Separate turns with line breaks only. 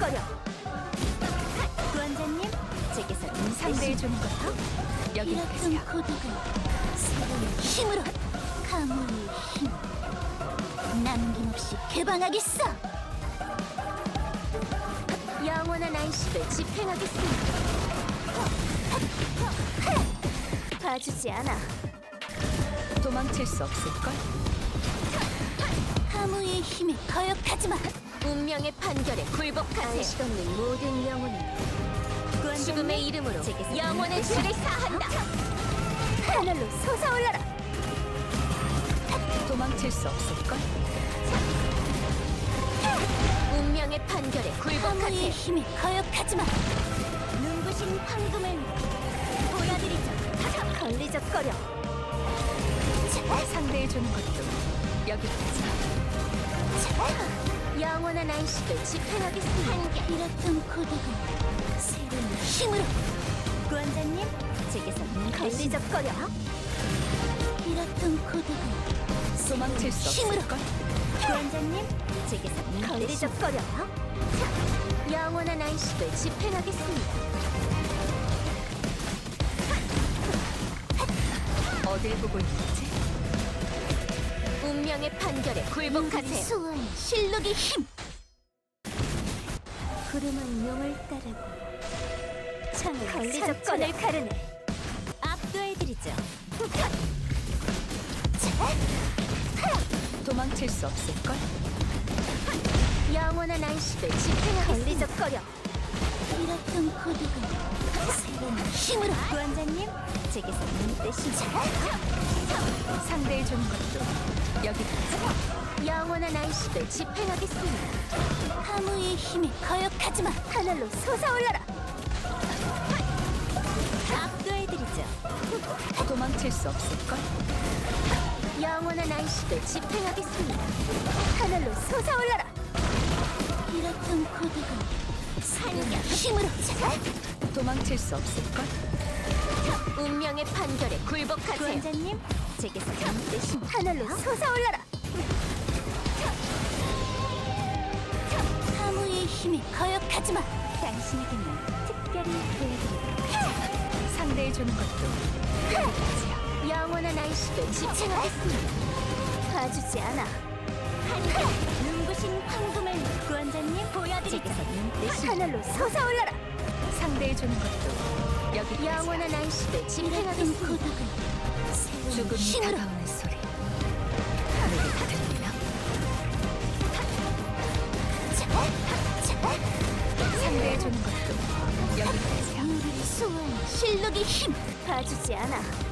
걸리적거려. 구원자님, 제게서 상대해 주는 것도 여기
이렇던
계세요.
고독은 새로운 힘으로 가문의 힘 남김없이 개방하겠어.
영원한 안식을 집행하겠습니다. 봐주지 않아. 도망칠 수 없을걸?
가무의 힘에 거역하지마.
운명의 판결에 굴복하세요. 안식 없는 모든 영혼은 죽음의 이름으로 영혼의 줄을 사한다. 하늘로 솟아올라라. 도망칠 수 없을걸? 운명의 판결에
가무의
굴복하세요.
힘에 거역하지마.
눈부신 황금을 보여드리죠. 걸리적거려. 상대해 주는 것도 여기까지. 영원한 안식을 집행하겠습니다.
이렇던 고독은 새로운 힘으로
구원자님, 제게서 걸리적거려.
이렇던 고독은
도망칠 수
힘으로.
없을걸? 구원자님, 제게서 걸리적거려. 영원한 안식을 집행하겠습니다. 어딜 보고 있는지? 운명의 판결에 굴복하세요.
수호한 실록의 힘.
구름은 용을 따르고 창을 걸리적거릴 가르네. 압도해드리죠. 도망칠 수 없을걸? 영원한 안식을 집행하겠습니다. 걸리적거려.
이렇던 고독은 새로운 힘으로
구원자님, 제게서 뜻이죠. 상대해 주는 것도 여기까지. 영원한 안식을 집행하겠습니다.
가무의 힘에 거역하지마.
하늘로 솟아올라라. 압도해드리죠. 도망칠 수 없을걸? 영원한 안식을 집행하겠습니다. 하늘로 솟아올라라.
이렇던 고독은 새로운 힘으로
도망칠 수 없을걸? 운명의 판결에 굴복하세요. 구원자님, 제게서 뜻이 하늘로 솟아올라라.
가무의 힘에 거역하지마.
당신에게만 특별히 보여드릴게요. 상대해 주는 것도 여기까지야. 영원한 안식을 집행하겠습니다. 봐주지 않아. 눈부신 황금을 구원자님 보여드리죠. 뜻이 하늘로 솟아올라라. 상대해 주는 것도 여기 영원한 안식을
이렇던
집행하겠습니다.
고독은 새로운
죽음이
힘으로
다가오는 소리 하늘에 다 들리나? 상대해 주는 것도 여기까지야.
수호한 실록의 힘.
봐주지 않아.